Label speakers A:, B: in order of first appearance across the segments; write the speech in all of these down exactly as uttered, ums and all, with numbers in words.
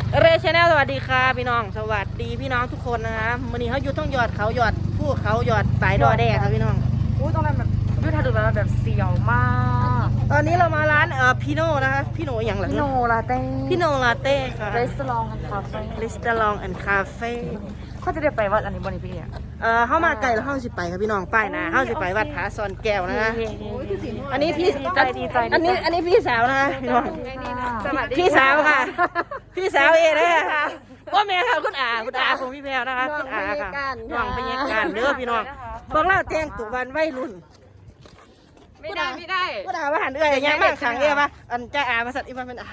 A: เรชแนลสวัสดีค่ะพี่น้องสวัสดีพี่น้องทุกคนนะคะวันนี้เขาอยู่ต้องหยอดเขาหยอดผู้เขาหยอดปลายดอแดงครับพี่น้อง
B: อู้ตรงนั้นแบบยุทธาดูแบบเสียวมาก
A: ตอนนี้เรามาร้านเอ่อพี่โน่นะคะพี่โน่อย่างไร
B: พี่โนลาเต้
A: พี่โน่ลาเต้ค่ะ
B: รีสอร์ทคาเฟ่
A: รีสตอรองแอนด์คาเฟ่
B: เขาจะได้ไปวัดอันนี้บนนี้พี่เนี่ย
A: เอ่อเข้ามาไกลแล้วเข้าสิไปครับพี่น้องป้ายนะเข้าสิไปวัดผาซอนแก้วนะคะอันนี้พี่
B: ดีใจดีใจ
A: อันนี้อันนี้พี่สาวนะคะพี่น้องพี่สาวค่ะ พี่สาวเองนะคะว่าแม่ค่ะคุณอาคุณอาของพี่แพรวนะคะคุณอาค่ะน้องพยาการเด้อพี่น้องพวกเราแต่งตัววันวัยรุ่น
B: ไม่ได้ไม่ได้
A: กูด่าว่าหันเอื้อยยังมากขังเอ้ยปะอันจะอามาสัตว์อีมันเป็นอา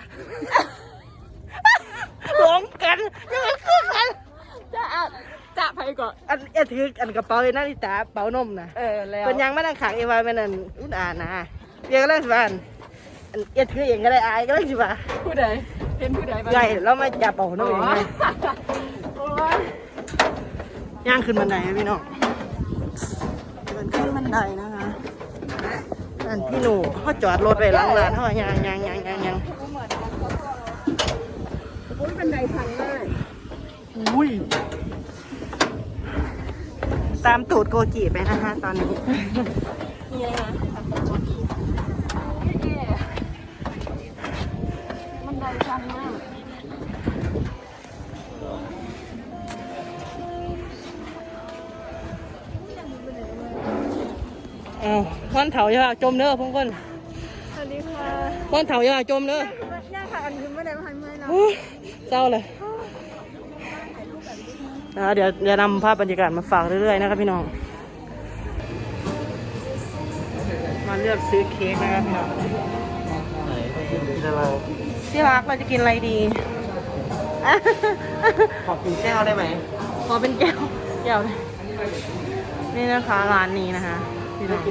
A: หลงกันยังมันคือกันจะอาจะไปก่อนอันเอ็ถืออันกระเป๋าเลยนาฬิตาเป๋านมนะ
B: เออแล้ว
A: เป็นยังไม่ได้ขังเอวาเป็นอันอุ้นอานะเรียกก็ได้สิบ้านอันเอ็ถือเองก็ได้อายก็ได้สิบ้า
B: ผู้ใดเป็นผู้ใดบ้าง
A: ใหญ่แล้วมาจับเป๋านมเองเลยย่างขึ้นบันไดนะพี่น้องมันขึ้นบันไดนะคะอันพี่หนูเขาจอดรถไว้หลังร้านเขายางยางยางยางยางอุ้ยบันไดพังมากอุ้ยตามตูดโกจิไปนะคะตอนนี้นี่เลยค่ะบันไดพังมากอ้าววันเถาอย่าจมเด้อพงคนสวัสดีค่ะวันเถาอย่าจมเด้อย่าค่ะอันนี้ไม่ได้พันเมื่อยนะเศร้าเลยนะเดี๋ยวเดี๋ยวนำภาพบรรยากาศมาฝากเรื่อยๆนะครับพี่น้องมาเลือกซื้อเค้กนะครับพี่น้องที่รักเราจะกินอะไรดีขอกินแก้วได้ไหมขอเป็นแก้วแก้วเลยนี่นะคะร้านนี้นะคะพี่น้อง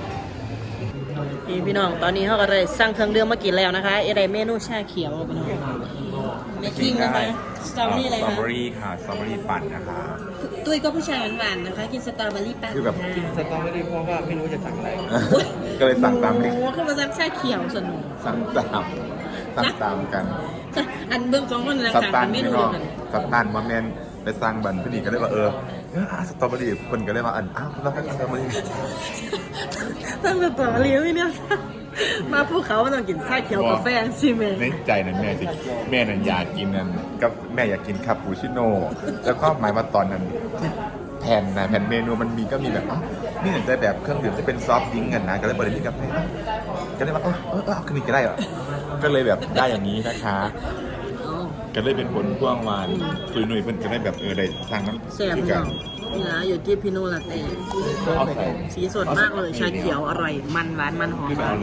A: พี่น้องตอนนี้เขาก็เลยสั่งเครื่องดื่มมากินแล้วนะคะเอไรเมนูชาเขียวพี่น้องเมคกิ้งนะคะสตรอเบอรี่อะไร
C: สตรอ
A: คะ
C: เบอรี่ค่ะสตรอเบอรี่ปั่นนะคะ
A: ตุ้ยก็ผู้ชายหวานๆนะคะกินสตรอเบอรี่ปั่น
C: คือแบบ
A: กิน
C: สตรอเบอรี่เพราะว่าไม่รู้จะสั่งอะไร ก็เลยสั่งตาม
A: โอ้
C: ที่
A: โหขึ้นมาสั่งชาเขียวสนุก
C: สั่งตามสั่งตามกัน
A: อันเบื้องของมันนะ
C: ส
A: คะ
C: ตัน
A: เม
C: พี่
A: นู
C: น้อง
A: เดียวกัน
C: สตันมาแมนไปสั่งบันพี่นี่ก็เลยว่าเออเออสตรอเบอรี่คนก็เลยมาอันอ้าวเราให้สตรอเบอรี่
A: ตั้งแต่ต่อเลี้ยวเนี่ยมาพวกเขาต้องกินชาเขียวกาแฟสิเมน
C: ในใจนั้นแม่สิแม่นั้นอยากกินนั้นกับแม่อยากกินคาปูชิโน่แล้วก็หมายว่าตอนนั้นแผ่นนะแผ่นเมนูมันมีก็มีแบบอ๋อนี่เห็นใจแบบเครื่องดื่มที่เป็นซอฟต์ดริงก์กันนะก็เลยบริการกาแฟก็เลยว่าเออเออเอาขึ้นอีกก็ได้เหรอก็เลยแบบได้อย่างนี้นะคะก็เลยเป็นผลพ่วงวานคุยหนุ่ยเพิ่นก็ได้แบบเออได้สร้างน้ำ
A: แซ่บพี่น้องนี่นะอยู่ที่พิโนลาเต้
C: เอาใส่
A: สีสดมากเลยชาเขียวอร่อยมันหวานมันหอม
C: ขึ้นไปเอาเลย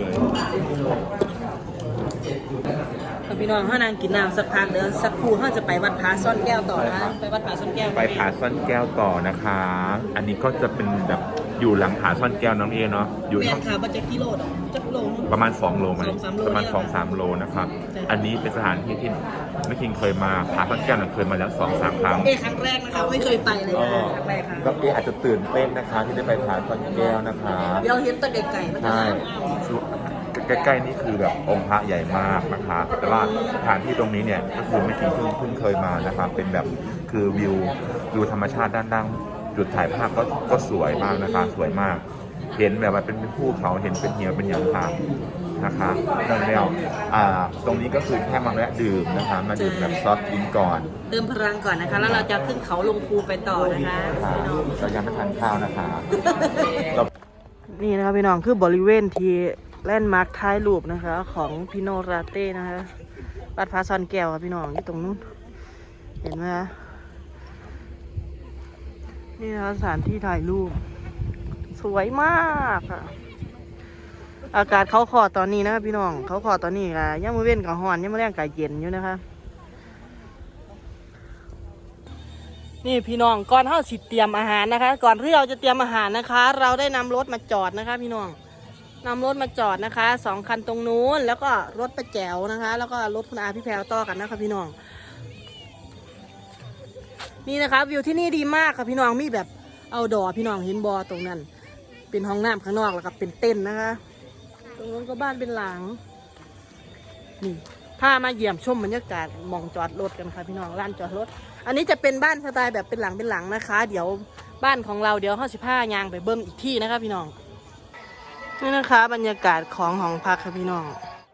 A: พี่น้องถ้านางกินน้ำสักพักเดี๋ยวสักครู่เขาจะไปวัดผาซ่อนแก้วต่อนะไปวัดผาซ่อนแก้ว
C: ไปผาซ่อนแก้วต่อนะคะ อันนี้ก็จะเป็นแบบอยู่หลังผาซ่อนแก้วน้องเอเนาะอยู่
A: เมีย
C: ทาง
A: นขาบัจจกิโลดอกจักโล
C: ประมาณสองโลไหม
A: สองสามโล
C: ประมาณ
A: เนี่ย
C: สองสามโลนะครับ
A: ใช่
C: อันนี้เป็นสถานที่ที่แม่คิงเคยมาผาซ่อนแก้วน่ะเคยมาแล้วสองสามครั้ง
A: เอครั้งแรกนะคะไม่เคยไปเลยนะครั้งแรกค่ะ
C: ก็เออาจจะตื่นเต้นนะคะ ที่ได้ไปผาซ่อนแก้วนะคะ
A: เดี๋ยวเห็นแตะไก่ๆมันจะ
C: ใช่ใกล้ๆนี่คือแบบองค์พระใหญ่มากนะคะ แต่ว่าสถานที่ตรงนี้เนี่ยก็คือไม่คิงเพิ่งเพิ่งเคยมานะคะเป็นแบบคือวิววิวธรรมชาติด้านล่างจุดถ่ายภาพก็ก็สวยมากนะคะ สวยมาก เห็นแบบว่าเป็นภูเขาเห็นเป็นเหี่ยวเป็นหยางค่ะนะคะนั่นแล้วอ่าตรงนี้ก็คือแค่มาแวะดื่มนะคะ มาดื่มแบบซอฟต์ดริงก์ก่อน
A: เติมพลังก่อนนะคะ แล้วเราจะขึ้นเขาลงภูไปต่อนะคะ
C: ค่ะเรายังไม่ทานข้าวนะคะเรา
A: นี่นะครับพี่น้องคือบริเวณที่แลนด์มาร์คท้ายรูปนะคะ ของพิโนราเต้นะคะวัดผาซ่อนแก้วครับพี่น้องที่ตรงนู้นเห็นไหมคะนี่นะคะสถานที่ถ่ายรูปสวยมากค่ะอากาศเขาขอตอนนี้นะครับพี่น้องเขาขอตอนนี้ค่ะย่ามือเว้นกับหอนย่ามือแรงกับเย็นอยู่นะคะนี่พี่น้องก่อนเฮาสิเตรียมอาหารนะคะ ก่อนที่เราจะเตรียมอาหารนะคะ เราได้นำรถมาจอดนะคะ พี่น้องนำรถมาจอดนะคะสองคันตรงนู้นแล้วก็รถประแจวนะคะ แล้วก็รถคุณอาพี่แพรวต่อกันนะคะพี่น้องนี่นะคะวิวที่นี่ดีมากค่ะพี่น้องมีแบบเอาดอพี่น้องเห็นบอตรงนั้นเป็นห้องน้ำข้างนอกแล้วก็เป็นเต็นท์นะคะตรงนู้นก็บ้านเป็นหลังนี่พามาเยี่ยมชมบรรยากาศหมองจอดรถกันค่ะพี่น้องลานจอดรถอันนี้จะเป็นบ้านสไตล์แบบเป็นหลังเป็นหลังนะคะ เดี๋ยวบ้านของเราเดี๋ยวห้าสิบห้ายางไปเบิ้มอีกที่นะคะพี่น้องนี่นะคะบรรยากาศของห้องพักค่ะพี่น้อง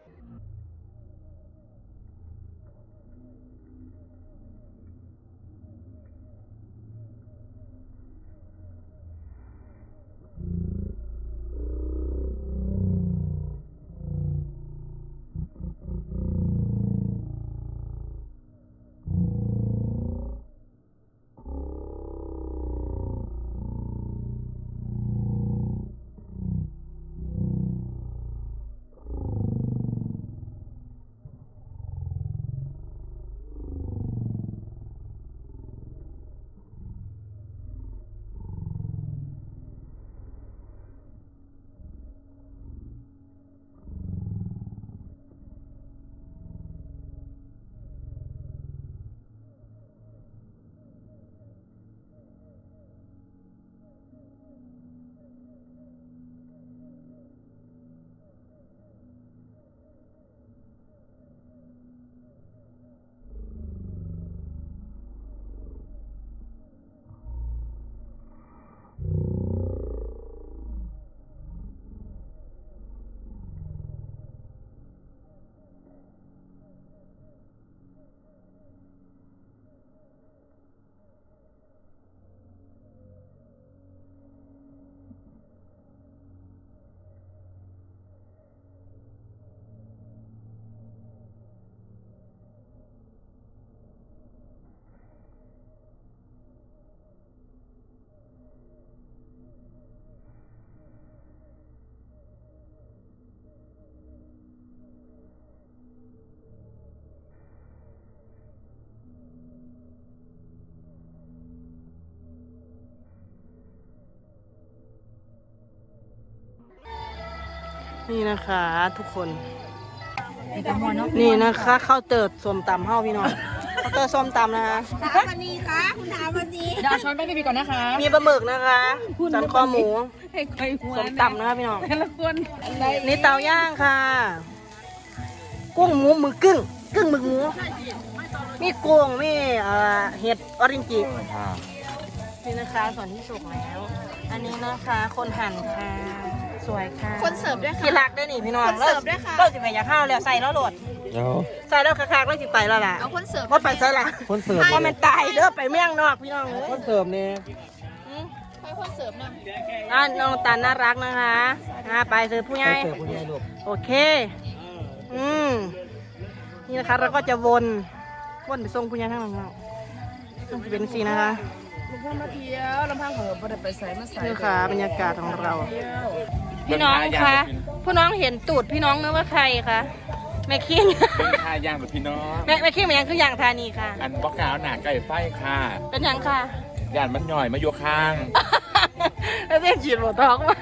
A: นี่นะคะทุกคนนี่นะคะข้าวเติร์ดส้มตำเฮ้าพี่น้องข้าวเติร์ดส้มตำนะคะ
D: ถามวันนี้ค่ะคุณถามวันนี้
B: ดาวช้อนไปพี่ก่อนนะคะ
A: มีปลาหมึกนะคะสันคอหมู
B: ให้ใครหัว
A: ส้มตำนะคะพี่น้อง
B: แต่ละคน
A: นี่เตาย่างค่ะ กุ้งหมูหมึกกึ้งกึ้งหมึกหมูมีกุ้งมีเอ่อเห็ดออรินจินี่นะคะส่วนที่สุกแล้ว อันนี้นะคะคนหั่นค่ะสวยค่ะ
D: คนเสิร์ฟด้วยค่ะ
A: ที่รักด้วยนี่พี่น้อง
D: คนเสิร์ฟด้วยค่ะ
A: เราสิไปอยากข้าวแล้วใส่แล้วโหลดใส่แล้วคักๆแล้วสิไปแล้วล่ะ
D: เอาคนเสิร์ฟ
A: ว่าไปใส่ละ
E: คนเสิร์ฟ
A: ว่ามันตายเด้อไปเมี่ยงนอกพี่น้องเอ้ย
E: คนเสิร์ฟเนี่ย
A: อืม
D: ให้คนเสิร์ฟนะ
A: อ่ะน้องตาลน่ารักนะคะอ่ะไปเสิร์ฟผู้ใหญ่
E: เสิร์ฟคุณยายลูก
A: โอเค อืม นี่นะคะเราก็จะวนวนไปส่งผู้ใหญ่ทั้งหลังเราต้องเป็นสีนะคะ
B: ลูกพ่อมาเที่ยวลำพังเหอะบ่ได้ไปใส่มาใส่
A: นี่ค่ะบรรยากาศของเรา พี่น้องคะผู้น้องเห็นตูดพี่น้องนึกว่าใครคะแม่คิง
F: เป็นค่าย่างแบบพี่น้อง
A: แม่แม่คิงเป็นยังคืออย่างธานีค่ะ
F: อันบอกกล่าวหนาไก่ไฟค่ะ
A: เป็นยังค่ะ
F: ย่านมันหน่อยมาโยข้าง
A: แล้วเรียกฉีดหัวท้องมา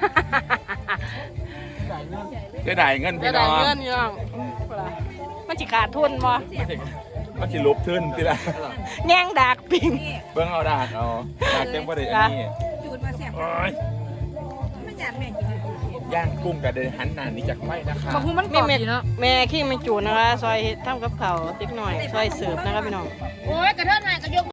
F: จะได้เงิน
A: จะ
F: พี่
A: ได้
F: น้อง
A: เงินพี่น้องมันจิขาดทุนบ่
F: มันสิมันสิลบขึ้นทีละ
A: แง่งดากปิง
F: เบิ่งเอาดากเอาดากเต็มประเด็นอันนี้
D: จูดมาเสียบ
F: โอ้ย
D: มันอยากแม่กิน
F: ย่างกุ้งกับเดินหันหนานี้จากไฟนะคะ
B: มาพูมันกรอบดีเนาะ
A: แม่ขี้ไม่จูนนะคะ ซอยทำกับเขาวติ๊กหน่อย ซอยเสิร์ฟนะคะพี่น้อง
D: โอ้ยกระเทินมาก็ยก